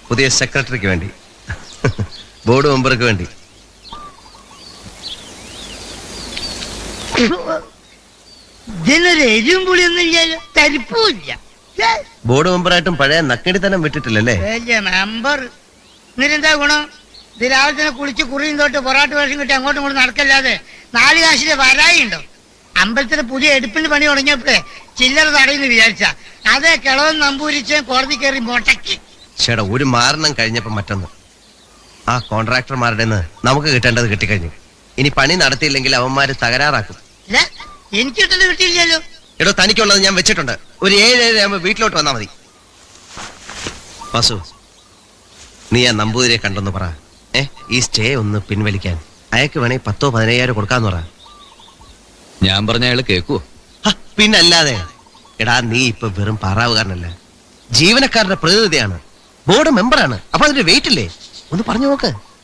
പുതിയ സെക്രട്ടറിക്ക് വേണ്ടി, ബോർഡ് മെമ്പർക്ക് വേണ്ടി. ഇതിനൊരു എരിവും പുളിയൊന്നും ഇല്ലല്ലോ, തരിപ്പുമില്ല. ബോർഡ് മെമ്പറായിട്ടും പഴയ നക്കടിത്തനം വിട്ടിട്ടില്ലല്ലേ? വലിയ മെമ്പർ. എന്നിട്ടെന്താ ഗുണം? ഇത് രാവിലെ തന്നെ കുളിച്ച് കുറിയും തൊട്ട് പൊറാട്ട് വേഷം കിട്ടി അങ്ങോട്ടും ഇങ്ങോട്ടും നടക്കല്ലാതെ 4 കാശിന്റെ വരായി ഉണ്ടോ? അമ്പലത്തിന് പുതിയ എടുപ്പിന് പണി തുടങ്ങിയപ്പോഴേ ചില്ലറ തടയുന്നു വിചാരിച്ച അതേ കിളവൻ നമ്പൂരിച്ച് കോടതി കയറി മൊട്ടക്കി. ചേട്ടാ, ഒരു മാരണം കഴിഞ്ഞപ്പോ മറ്റൊന്ന്. ആ കോൺട്രാക്ടർമാരുടെ നമുക്ക് കിട്ടേണ്ടത് കിട്ടിക്കഴിഞ്ഞു. ഇനി പണി നടത്തിയില്ലെങ്കിൽ അവന്മാര് തകരാറാക്കും. ഇല്ല, എനിക്ക് കിട്ടുന്നത് കിട്ടിയില്ലല്ലോ. എടോ, തനിക്കുള്ളത് ഞാൻ വെച്ചിട്ടുണ്ട്. ഒരു 7-7 ആകുമ്പോ വീട്ടിലോട്ട് വന്നാ മതി. വാസു, നീ ആ നമ്പൂതിരിയെ കണ്ടെന്ന് പറ. ഈ സ്റ്റേ ഒന്ന് പിൻവലിക്കാൻ. അയാൾക്ക് വേണേ 10,000-15,000 കൊടുക്കാന്ന് പറ. ഞാൻ പറഞ്ഞ അയാള് കേക്കുവോ? പിന്നല്ലാതെ. എടാ, നീ ഇപ്പൊ വെറും പാറാവുകാരനല്ല, ജീവനക്കാരുടെ പ്രതിനിധിയാണ്, ബോർഡ് മെമ്പറാണ്. അപ്പൊ അതിന്റെ വെയിറ്റ് ഇല്ലേ? ഒന്ന് പറഞ്ഞു നോക്ക്.